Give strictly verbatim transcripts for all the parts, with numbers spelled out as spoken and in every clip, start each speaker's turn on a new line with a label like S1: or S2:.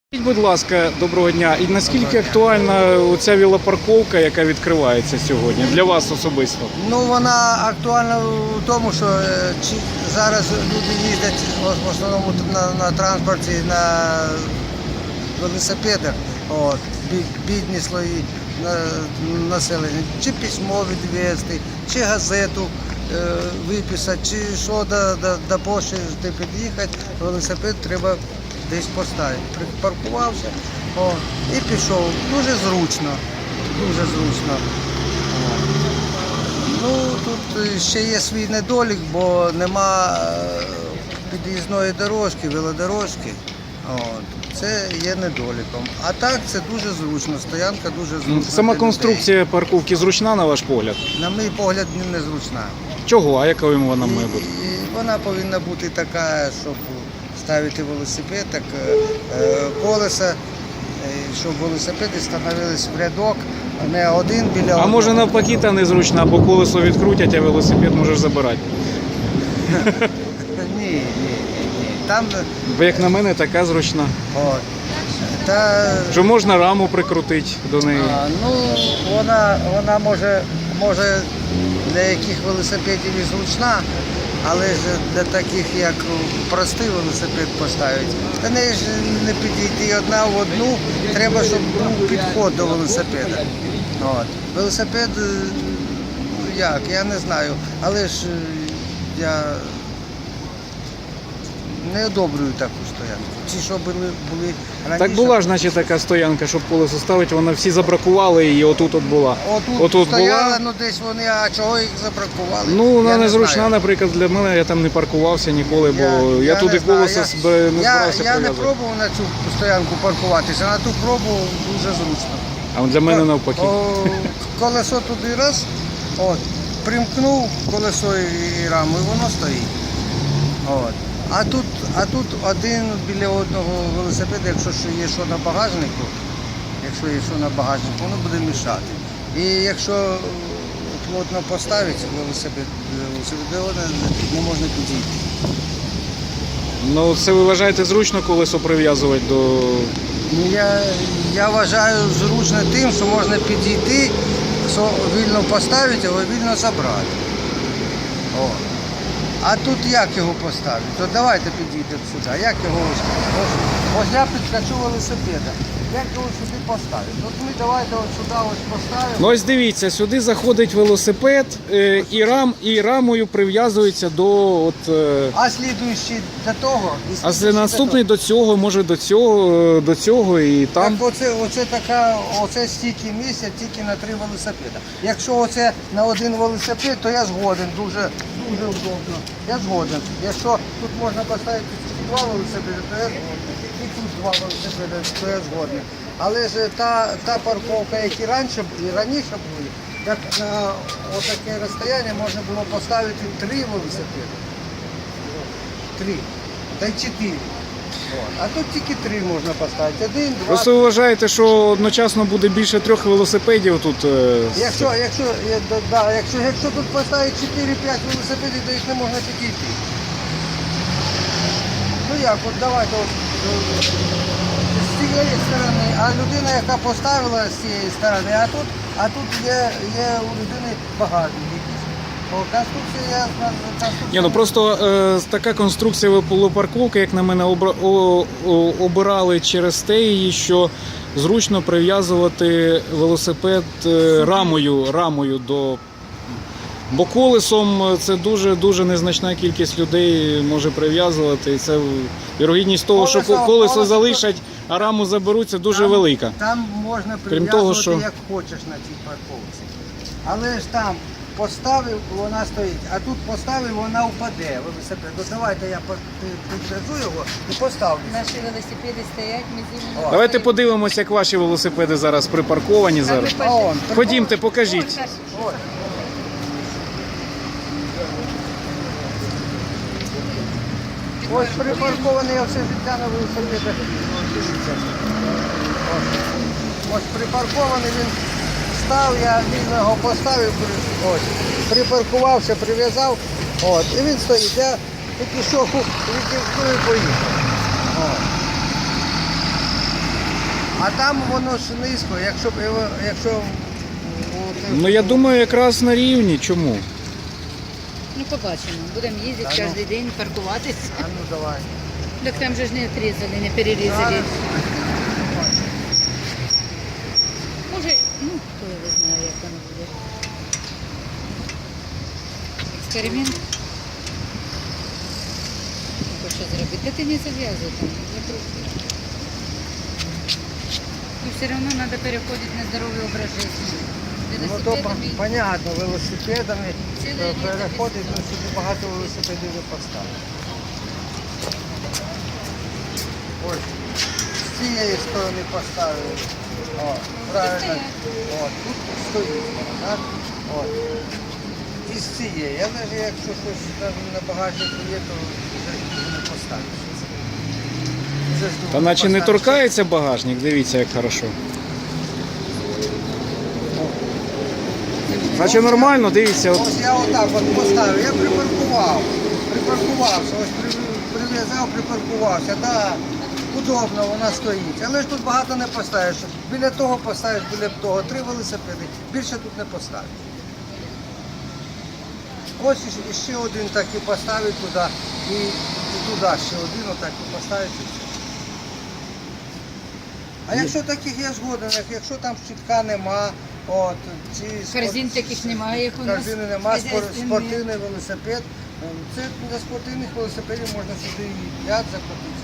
S1: Скажіть, будь ласка, доброго дня. І наскільки актуальна оця велопарковка, яка відкривається сьогодні, для вас особисто?
S2: Ну, вона актуальна в тому, що е, чи зараз люди їздять в основному на, на транспорті, на велосипедах, от, бі- бідні слої на, населення, чи письмо відвезти, чи газету е, виписати, чи що до, до, до пошти під'їхати, велосипед треба десь поставити. Припаркувався о, і пішов. Дуже зручно, дуже зручно. Ну, тут ще є свій недолік, бо нема під'їзної дорожки, велодорожки. От. Це є недоліком. А так це дуже зручно, стоянка дуже зручна.
S1: Сама
S2: для
S1: конструкція парковки зручна, на ваш погляд?
S2: людей. На мій погляд, не зручна.
S1: Чого? А яка вона має бути?
S2: І, і вона повинна бути така, щоб ставити велосипед, так е, колеса, е, щоб велосипеди становились в рядок, а не один біля одного.
S1: А може навпаки та незручна, бо колесо відкрутять, а велосипед можеш забирати?
S2: Ні, ні, ні, ні. Там,
S1: Бо як на мене, така зручна.
S2: от, та,
S1: Що можна раму прикрутити до неї?
S2: а, ну, вона, вона може, може для яких велосипедів і зручна, але ж для таких, як простий велосипед поставити, та не ж не підійти одна в одну, треба, щоб був підход до велосипеда. От. Велосипед, як, я не знаю, але ж я не одобрюю таку стоянку. Ті, що були, були раніше.
S1: Так була ж, значить, така стоянка, щоб колесо ставити, вона всі забракували її, отут от була.
S2: Отут,
S1: Отут
S2: стояла,
S1: була.
S2: ну десь вони, а чого їх забракували?
S1: Ну, вона
S2: Я не
S1: незручна,
S2: знаю.
S1: наприклад, для мене, я там не паркувався ніколи, бо я,
S2: Я
S1: туди
S2: не знаю.
S1: колесо
S2: Я-
S1: зб- не
S2: я,
S1: збирався
S2: я не
S1: прив'язувати.
S2: пробував на цю стоянку паркуватися, на ту пробував дуже зручно.
S1: А от для мене навпаки.
S2: О, колесо туди раз, от, примкнув колесо і раму, і воно стоїть. От. А тут, а тут один біля одного велосипеда, якщо що є що на багажнику, якщо є що на багажнику, воно буде мішати. І якщо плотно поставити велосипед, велосипед не можна підійти.
S1: Ну, це ви вважаєте зручно колесо прив'язувати до...
S2: Ну, Я, я вважаю зручно тим, що можна підійти, що вільно поставити, його вільно забрати. О. А тут як його поставити? То давайте підійдемо сюди. Як його ось? Ось, ось я підкачу велосипеда. Як його сюди поставити? От ми давайте ось сюди ось поставимо.
S1: Ну ось дивіться, сюди заходить велосипед е, і, рам, і рамою прив'язується до... От, е,
S2: А слідуючий до того. І
S1: а
S2: слідуючий до
S1: наступний
S2: того.
S1: до цього, може до цього, е, до цього і там...
S2: Так оце, оце така, оце стільки місця тільки на три велосипеда. Якщо оце на один велосипед, то я згоден, дуже, дуже удобно. Я згоден. Якщо тут можна поставити два велосипеди, то я згоден. І тут два велосипеди, то я згоден. Але ж та, та парковка, які раніше і раніше були, так на отаке розстояння можна було поставити три велосипеди. Три. Та й чотири. От. А тут тільки три можна поставити. Один, два.
S1: Просто ви вважаєте, що одночасно буде більше трьох велосипедів тут? е, з-
S2: Якщо, якщо, я- да, да, якщо, якщо тут поставити чотири-п'ять велосипедів, то їх не можна підійти. Ну як, от давайте от, е, з цієї сторони, а людина, яка поставила з цієї сторони, а тут, а тут є, є у людини багажник якийсь. О, конструкція, я знаю, конструкція.
S1: Ні, ну просто е, така конструкція велопарковки, як на мене, обра- о- о- обирали через те її, що зручно прив'язувати велосипед е, рамою, рамою до... Бо колесом це дуже-дуже незначна кількість людей може прив'язувати. І це вірогідність того, що
S2: Колесо-
S1: колесо
S2: колесо-
S1: залишать, а раму заберуть, це дуже
S2: Там-
S1: велика.
S2: Там можна
S1: Крім
S2: прив'язувати
S1: того, що-
S2: як хочеш на цій парковці. Але ж там поставив, вона стоїть, а тут поставив, вона впаде. Велосипед. Ну, давайте я по- пи- підвезу його і поставлю.
S3: Наші велосипеди стоять, ми з ними.
S1: Давайте подивимося, як ваші велосипеди зараз припарковані зараз.
S2: А он,
S1: Ходімте, покажіть.
S2: Ось. Ось припаркований, я все життя на велосипедах. Дивіться. Ось. Ось припаркований, він став, я вільно його поставив, при- ось, припаркувався, прив'язав, от, і він стоїть. Я тільки що відімкнув і поїхав. От. А там воно ж низько, якщо б його- якщо о, ти-
S1: Ну я думаю, якраз на рівні. Чому?
S3: Ну, побачимо. Будемо їздити
S2: Та ну.
S3: кожен день, паркуватися.
S2: А ну давай.
S3: Так там же ж не отрізали, не перерізали. Може, ну, хто його знає, як воно буде. Експеримент. Хоче зробити. Та ти не зав'язуй там, закрути. І все одно треба переходити на здоровий образ життя.
S2: Ну то
S3: Велосипедами.
S2: по- понятно, велосипедами
S3: Ціле
S2: е,
S3: літо
S2: переходить,
S3: без
S2: ну сюди багато велосипедів не поставити. Ось, з цієї сторони поставили. О, правильно. От, тут стоїть, так? От. І з цієї. Але ж якщо щось на, на багажнику є, то вже не поставиш. Вже ж
S1: Та
S2: думаю,
S1: наче не
S2: поставиш.
S1: торкається багажник, дивіться, як хорошо. Наче нормально, дивіться. От.
S2: Ось я отак от поставив, я припаркував, припаркувався, ось при- прив'язав, припаркувався, так, удобно, вона стоїть. Але ж тут багато не поставиш. Біля того поставиш, біля того, три велосипеди, більше тут не поставиш. Ось іще- ще один так і поставить туди, і, і туди ще один отак і поставить. і все. А якщо таких я згоден, як- якщо там щитка нема, от, ці спорт-
S3: Корзин таких немає, як у нас.
S2: корзини нема, спор-
S3: Хазяйственні.
S2: спортивний велосипед. Це для спортивних велосипедів можна сюди і п'ять закрутити.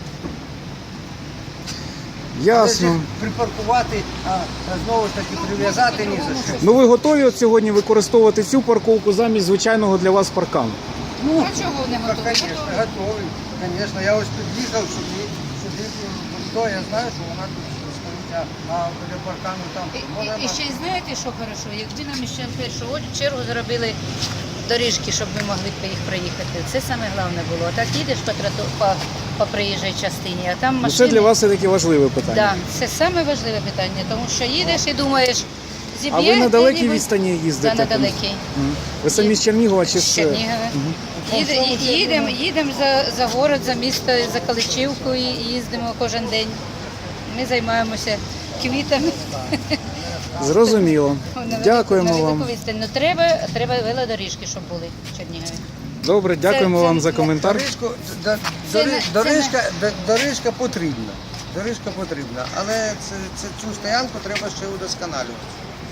S1: Ясно.
S2: Але ж припаркувати, а знову ж таки прив'язати ні за що.
S1: Ну ви готові от сьогодні використовувати цю парковку замість звичайного для вас паркану?
S3: Ну, а чого не
S2: Так,
S3: готові?
S2: звісно, готовий. Звісно, я ось під'їхав сюди, сюди, то я знаю, що вона тут стоїть, а, а біля паркану там
S3: І,
S2: вона
S3: і, і ще й знаєте, що хорошо? Якби нам ще в першу чергу зробили доріжки, щоб ми могли по їх проїхати. Це саме головне було. А так їдеш по, троту, по, по проїжджій частині, а там
S1: Ну,
S3: машини.
S1: це для вас все-таки важливе питання.
S3: Да, це саме важливе питання, тому що їдеш і думаєш, зіб'є.
S1: А ви на далекій
S3: хто-небудь?
S1: відстані їздите?
S3: Да, на далекій.
S1: Мгм. Ви самі з Чернігова чи
S3: З
S1: з...
S3: Чернігова.
S1: Мгм.
S3: Їде- ї- Їдемо їдемо за, за город, за місто, за Каличівку і їздимо кожен день. Ми займаємося квітами.
S1: Зрозуміло.
S3: На
S1: Дякуємо
S3: велику
S1: вам.
S3: відстань. Ну, треба, треба велодоріжки, щоб були в Чернігові.
S1: Добре, дякуємо
S3: Це-
S1: вам
S3: це-
S1: за коментар.
S2: Доріжку, д-
S3: Це
S2: дори-
S3: не- це
S2: доріжка, д- доріжка потрібна. Доріжка потрібна, але це, це, цю стоянку треба ще удосконалювати.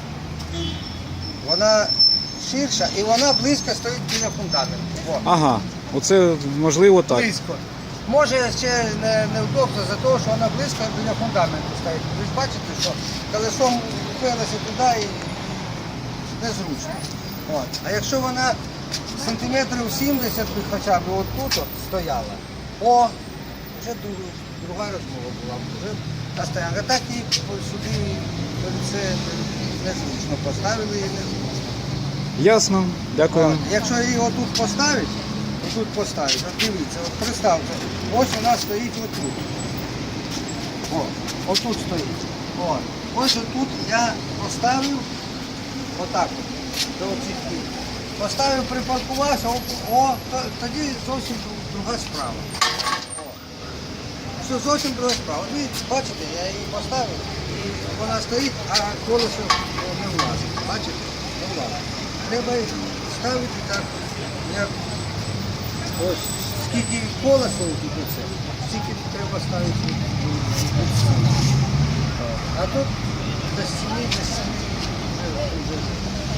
S2: Вона ширша і вона близько стоїть біля фундаменту. О,
S1: Ага, оце можливо так.
S2: близько. Може ще не, неудобно за те, що вона близько біля фундаменту стоїть. Ви ж бачите, що колесом впилося туди і незручно. От. А якщо вона сантиметрів сімдесят би хоча б отут от стояла, о, вже друга, друга розмова була, вже та стоянка. Так і сюди це незручно поставили і незручно.
S1: Ясно, дякую.
S2: От. Якщо її отут поставити, отут поставити, от дивіться, от представте, ось вона стоїть отут. О, отут стоїть. О, ось отут я поставив отак от, до оцих кіл. Поставив, припаркувався, о, о, то- тоді зовсім друга справа. О. Все зовсім друга справа. От ви бачите, я її поставив, і вона стоїть, а колесо не влазить. Бачите? Не влазить. Треба їх ставити так, як ось скільки колесо тут оце, стільки треба ставити. від стіни. А тут до стіни, до стіни. вже- вже-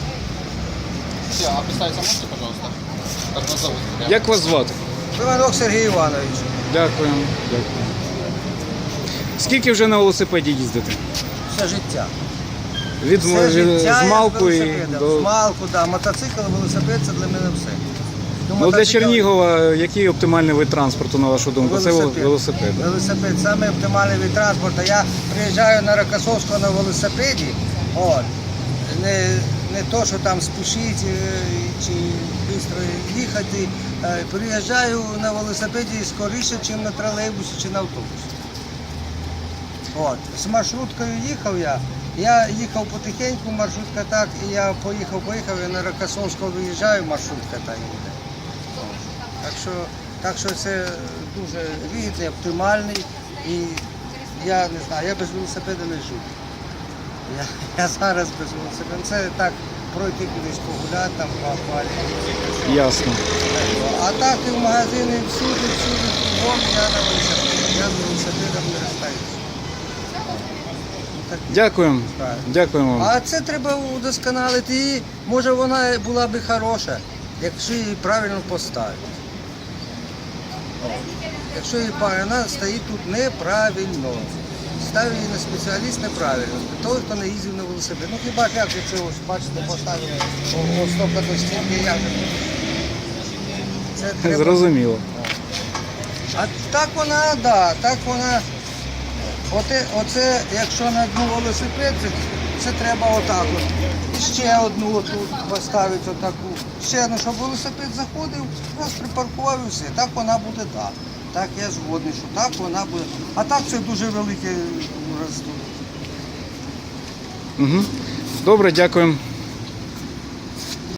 S4: А представиться можете, пожалуйста? Как вас зовут?
S1: Як вас звати?
S2: Іванок Сергій Іванович.
S1: Дякую. Дякую. Скільки вже на велосипеді їздите?
S2: Все життя.
S1: Від
S2: Все
S1: з
S2: життя я
S1: Малку
S2: з
S1: і
S2: велосипедом.
S1: до...
S2: З Малку, да. Мотоцикл, велосипед це для мене все. До
S1: Ну, для
S2: мотоцикла-
S1: Чернігова який оптимальний вид транспорту, на вашу думку? Це
S2: Велосипед.
S1: велосипед.
S2: Велосипед, саме оптимальний від транспорту. Я приїжджаю на Рокосовського на велосипеді. От. Не, не то, що там спішити е, чи швидко їхати. Е, Приїжджаю на велосипеді скоріше, ніж на тролейбусі чи на автобусі. От. З маршруткою їхав я. Я їхав потихеньку, маршрутка так, і я поїхав, поїхав, і на Рокосовського виїжджаю, маршрутка так їде. Так що, так що це дуже вигідний, оптимальний і я не знаю, я без велосипеда не живу. Я, я зараз без велосипеда. Це так, пройти кудись погуляти, там поакваріумі.
S1: Ясно.
S2: А так і в магазини, і всюди, всюди, кругом я на велосипеді. Я з велосипедом не розстаюся. Ну, так,
S1: Дякуємо.
S2: правильно.
S1: Дякуємо вам.
S2: А це треба удосконалити. І може вона була би хороша, якщо її правильно поставити. О, Якщо її правильно, вона стоїть тут неправильно. Ставив її на спеціаліст неправильно. Той, хто не їздив на велосипеді. Ну хіба ж як же це ось, бачите, поставили о- ось стільки до стінки, як же. Це треба.
S1: Зрозуміло.
S2: А так вона, да, так вона. Оте, оце, якщо на одну велосипед, це, це треба отак от. І ще одну отут поставити отаку. Ще одну, щоб велосипед заходив, раз припаркував і все. Так вона буде так. Так я згодний, що так вона буде. А так це дуже велике роздув.
S1: Угу. Добре, дякуємо.